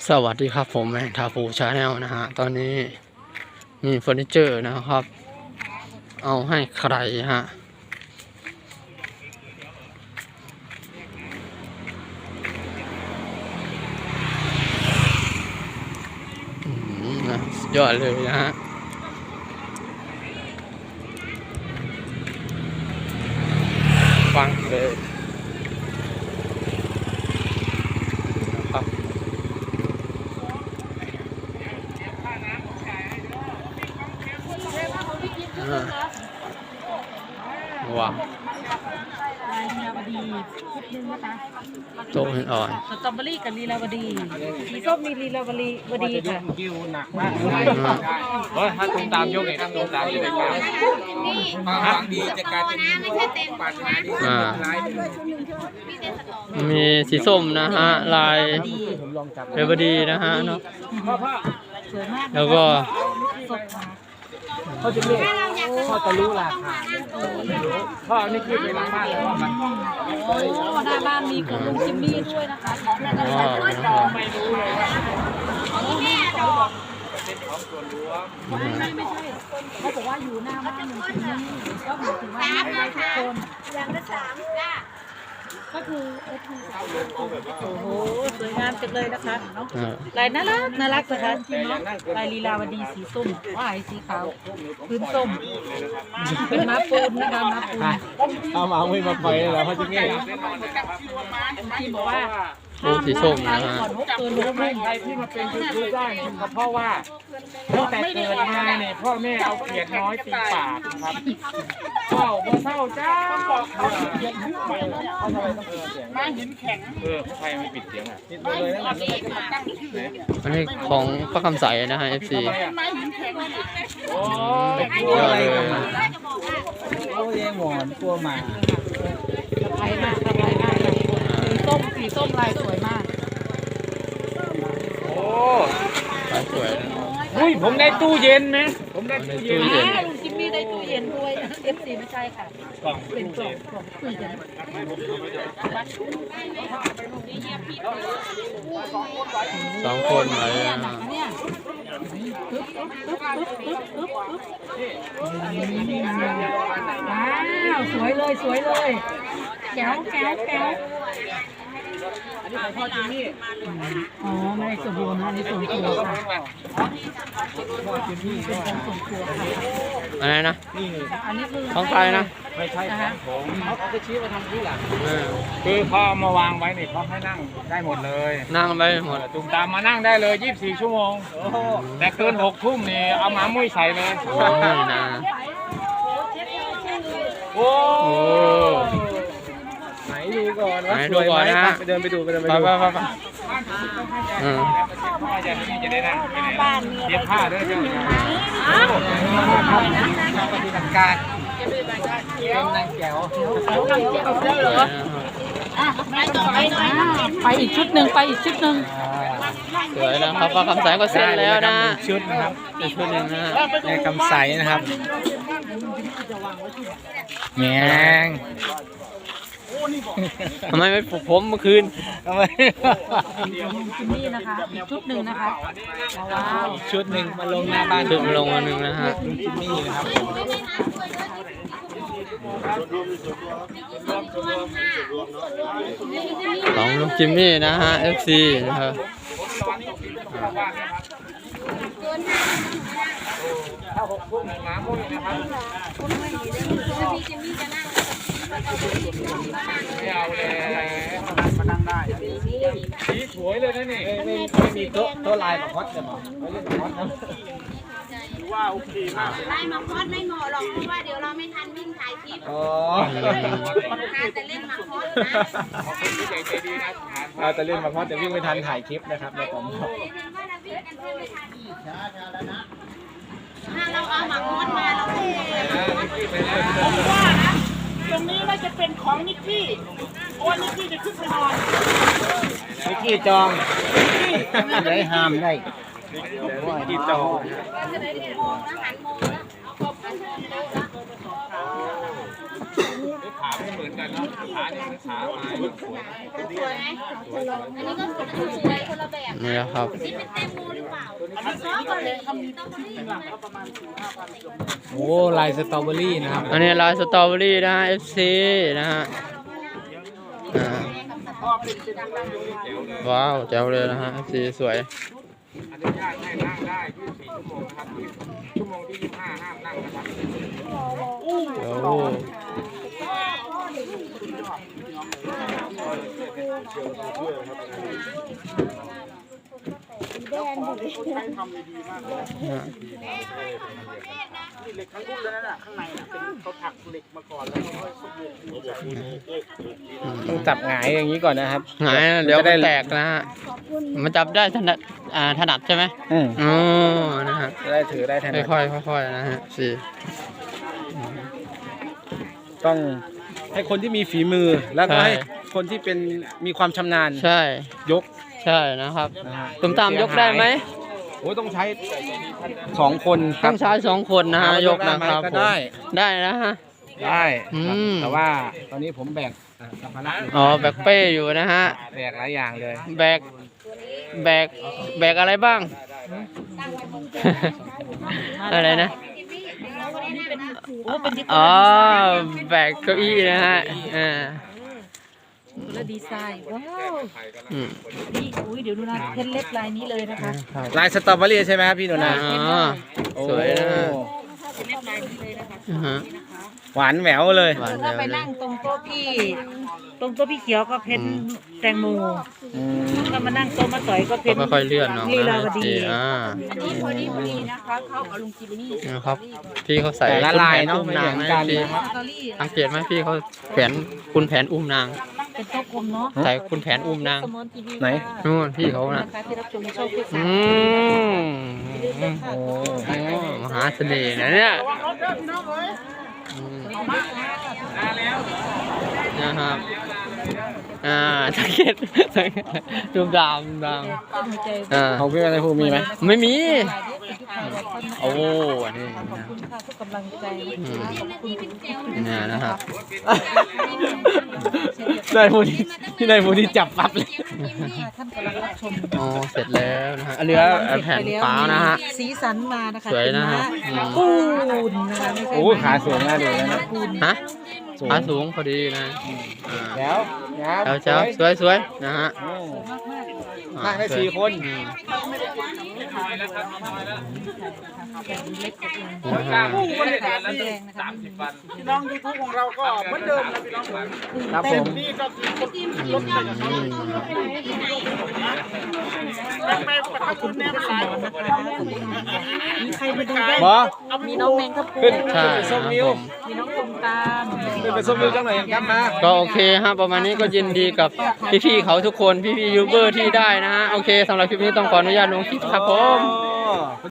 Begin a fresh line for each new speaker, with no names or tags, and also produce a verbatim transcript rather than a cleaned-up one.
สวัสดีครับผมแมงทาฟูชาแนลนะฮะตอนนี้มีเฟอร์นิเจอร์นะครับ เอาให้ใครฮะอืมนะสุดยอดเลยนะฮะฟังเลยนะครับว้าว
ลายลีลาวดีชุดหนึงนะคะ
โตเห็นอ่อน
สตรอเบอรี่กับลีลาวดีสีส้มมีลีลาวดีวดีค่ะ
กิ้วหนักมากเลยเฮ้ยถ้าตุ้มตามยกเองตุ้มตามยกเองความหวังดีจะกลายเป็นปาฏิหาริย์ที่ร้าย
มีสีส้มนะฮะลายเรเบอร์ดีนะฮะเนาะ
สวยมาก
แล้วก็
สดมา
เขาจะเรียกพ่อจะรู้ราคาพ่อนี่คิดไปหลังบ้านเลยว่ามัน
โอ้หน้าบ้านมีคุณลุงจิมมี่ด้วยนะคะของแม่กัน
อ๋อ
ไม่รู้เลยว่าเป็นของส่วนรวม
ไม่ไม่ไม่ใช่เขาบอกว่าอยู่หน้าบ้านลุงจิมมี่ก็หมายถึงว่าไม่ได้ทุกคนอย่างละสามจ้าก็คือเอฟซีสามโอ้โหสวยงามจังเลยนะคะเนาะ
เออ
ลายน่ารักน่ารักนะคะลายลีลาวดีสีส้มว่ายสีขาวพื้นส้มเป็นม้าปูนนะคะม้าปูน
เอามาไม่มาปล่อยเลยเหรอพ่อจะเงี้ย
ที่บอกว่า
โอ้สีส้มนะฮะ
ก่อนหกตัวลูก
ไม่ใครที่มาเป็นยูทูบได้เนี่ยก็เพราะว่าตั้งแต่เกิดมาเนี่ยพ่อแม่เอาเขียดน้อยตีปากครับพ่อบ่เศร้าจ้าบอกเขาเขียดขึ้นไปเขาทำไมต้องเปิดเสียงมาหินแข็งเออใครไม่ปิดเสียงอ่ะปิดเลยนะ
อันนี้ของพระคำใสนะฮะ เอฟ ซี
โอ้
ยอดเลย
เขาเลี้ยงหมอนกลัวหมา
สะพายมากสะพายมากเลยสีส้มสีส้มลายสวยมาก
โอ้
ลายสวยนะ
อุ้ยผมได้ตู้เย็นไหมผมได้ตู้เย็น
ตู้เย็น
อ่าลุงจิมมี่ได้ตู้เย็นด้วยเอฟซีไม่ใช่ค่ะ
กล่อง
เป็นกล่องกล่องตู้เย็น
สองคนไหนอะ
เนี่ยปึ๊บปึ๊บปึ๊บปึ๊บปึ๊บปึ๊บว้าวสวยเลยสวยเลยแก้วแก้วแก้ว
อันนี้ของพ่อจิมมี่
อ๋อไม่ได้ส่วนรวมนะอันนี้ส่วนตัวค่ะ
พ่อจิมมี่
เป็นของส่วนตัวค่ะ
อะไรนะ
นี่
อันนี้คือ
ของใครนะ
ไม่ใช่ของผมเขาเขาไปชี้มาทำที่หลัง
เออ
คือเขาเอามาวางไว้นี่เขาให้นั่งได้หมดเลย
นั่งไปหมด
ตุ่มตามมานั่งได้เลยยี่สิบสี่ชั่วโมงแต่เกินหกทุ่มนี่เอาหมามุ้ยใส่เลย
โอ้ยนะ
โอ้
โอ้
ไหนดูก่อน
ไหนดูก่อนนะฮะ
ไปเดินไปดูไปเดินไป
ไป
ดู
ไปไปไปเออ
พ่อจะนี่จะได้นั่งไปไหนเย็บผ้าด้วยเจ้าปฏิบัติการเป็นนางแก้ว
ไปอีกชุดหนึ่งไปอีกชุดหนึ่ง
สวยนะครับพระคำใสก็เสร็จแล้วนะ
ชุดนะครับ
อีกชุดหนึ่งนะฮะ
ในคำใสนะครับแมง
ทำไมไม่ปลุกผมเมื่อคืน
ทำไม
จิมมี่นะคะอีกชุดหนึ่งนะคะว้าว
ชุดหนึ่งมาลงหน้าบ้าน
ถึงลงมาหนึ่งนะฮะ
ลุงจิมมี่นะครับ
ของลุงจิมมี่นะฮะ เอฟ ซี นะครับ
ถ้าหกทุ่มหมามุ้ยนะครับไม่เอาเลยมานั่งได้สีสวยเลยนะนี่ไม่ไม่มีโต๊ะโต๊ะลายแบบฮอตเลยมั้งไม่เล่นแบบฮอตนะว่าโอเคมาก
ไล่มาคอสไม่เหมาะหรอกเพราะว่าเดี๋ยวเราไม่ทันวิ่งถ่ายคลิป
อ๋อ
แต่เล่นมาคอสนะ
ขอบคุณผู้ใหญ่ใจดีนะเราจะเล่นมาฮอตแต่วิ่งไม่ทันถ่ายคลิปนะครับในผม
เดี๋ยวเห็นว่าเราวิ่งกันแทบไม่ทันอีกถ้าเราเอามาคอสมาเราเล่น
ตรงนี้น่าจะเป็นของนิกกี้เพราะว่านิกกี้จะขึ้นไปนอน
นิกกี้จองได้ห้ามได้นิกกี้จอง
จะได้โมงแล้วหันโมงแล้วเอาขอบคุณ
ขาไม่เหมือนกันเนาะขาเนี่ยมันขาไม้สวย
สวยไหมอันนี้ก็สวยคนละแบบ
นี่นะครับ
นี่เป็นแตงโมหรือเปล่า
อันนี้สีก็แพงทำจริงๆอ่ะก็ประมาณสี่ห้าพัน
โอ้ลายสตรอเบอรี่นะครับ
อันนี้ลายสตรอเบอรี่นะฮะ เอฟ ซี นะฮะอ่า
ก็เป็นเป็นดังๆอยู่
ว้าวแจ๋วเลยนะฮะ เอฟ ซี สวย
อนุญาตให้นั่งได้ยี่สิบสี่ชั่วโมงนะครับชั่วโมงที่ยี่สิบห้าห้ามนั่งนะครับ
โอ้
คนไทยทำดีมากเลยนี่เหล็กทั้งรุ่นเลยนะข้างในน่ะเป็นเขาถักเหล็กมาก่อนแล้วเขาค่อยสบู่ใส่
ต้องจับหงายอย่างนี้ก่อนนะครับ
หงายเดี๋ยวมันแตกนะฮะ มันจับได้ถนัดอ่าถนัดใช่ไหม
อืม
อ๋อ นะฮะ
จะได้ถือได้ทัน
ค่อยๆค่อยๆนะฮะสี่
ต้องให้คนที่มีฝีมือแล้วก็
ใช่
ให้คนที่เป็นมีความชำนาญ
ใช่
ยก
ใช่นะครับ
นะฮะ
ตุ้มตามยกได้ไหม
โอ้ยต้องใช้สองคนค
ต้
รั
อบ งใช้สองคนนะฮะ
ถามว่าย
ก
กได้
นะ
ไหม
ครับ
ก็
ผม
ได้
ได้นะฮะ
ได้
อื
ครับ
ม
แต่ว่าตอนนี้ผมแบกอ่ะสัมภาระอยู่
อ๋อแบกเป้อยู่นะฮะ
แบกหลายอย่างเลย
แบก แบก แบกอะไรบ้าง อะไรนะ
โอ้เป็นที่
อ๋อ แบกเก้าอี้นะฮะ อ่า
และดีไซน์ว้าว
อืม
นี่อุ้ยเดี๋ยวดูนะเพชรเล็บลายนี้เลยนะคะ
ครับ
ลายสตรอเบอรี่ใช่ไหมครับพี่หนู
อ๋
นา
อ สวยนะฮะ
โอ้
เพชรเล็บลายนี้เลยนะคะ
อ่าฮะ
หวานแหววเลย
หวาน
ถ้า
แวว
ไป
เลย
นั่งตรงโต๊ะพี่ตรงโต๊ะพี่เขียวก็เพชรแตงโม
อืม
ถ้ามานั่งโต๊ะมาต่อยก็เพ
ก็
ชร
ค่อยๆเลื่อนเนาะ
ลี
นะ
ลาวดี
อ่า
นี่พอดีพอดีนะคะเข้ากับลุงจิมมี่
นะครับ พี่เขาใส่
แต่ละลายเนาะ
อุ้ม
ไม่
นา
เห
ง
มือน
นะ
กัน
พี่
นะครับ
สตอรี่
สังเกตไหมพี่เขาแผนคุณแผนอุ้มนาง
เป็นโต๊ะกลมเนาะ
ใส่คุณแผนอุ้มนาง
สมอนทีวี
ไหน
นู่นพี่เขาน่ะ
นะคะที่รับชมช่องฟิก
อื
ซ่าม
โอ้
โอ้มหาเสน่ห์นะเนี่ยอืมนะครับ อ่าสังเกตสังเกตดูดาวดูดาว
หัวใจ
อ่า
ของพี่อะไรภูมิมีไหม
ไม่มี
โอ้
โอ้อันนี้
ขอบ
นะ
คุณค่ะทุกกำลังใจนะคะขอบคุณ
เนี่ยนะครับ
ได้ภูมิที่ได้ภูมิที่จับปั๊บเลย
ท่านกำลังรับชม
อ๋อเสร็จแล้วนะฮะเหลือแผ่นฟ้านะฮะ
สีสันมานะคะ
สวยนะฮะ
เป็นม้าปูนนะคะไม่ใช่
โอ้ขาสวยน่าดูเลยนะ
ปูน
ฮะขาสูงพอดีนะอ่า
แล้วนะครับ
เจ้าเจ้าสวยสวยนะฮะ
อืม
มากมาก
อ่า
นั่งได้
สวย
สี่คน
อืม
เล็กกว่าเอง
นะฮะ
ก็เลยแบบแดงนะคะ
พี่น้องยูทูบของเราก็เหมือนเดิมนะพี่น้องผม
ครับผม
นี่ก็คือคนรถไปกับเขา
อืม
แล้วไปประทับคุณแม่มาหลาย
มีใครมาดูได้
บอ
มีน้องแมงครับปู
ขึ้น
ใช่
ไป
ค
ส้
รั
ม
บ
นิ้ว
ผม
มีน้องตุมตาม
ขึ้นไปส้มนิ้วจังหน่อยครับมา
ก็โอเคฮะประมาณนี้ก็ยินดีกับพี่ๆเขาทุกคนพี่ๆยูทูบเบอร์ที่ได้นะฮะโอเคสำหรับคลิปนี้ต้องขออนุญาตลงคลิปครับผม
อ๋อ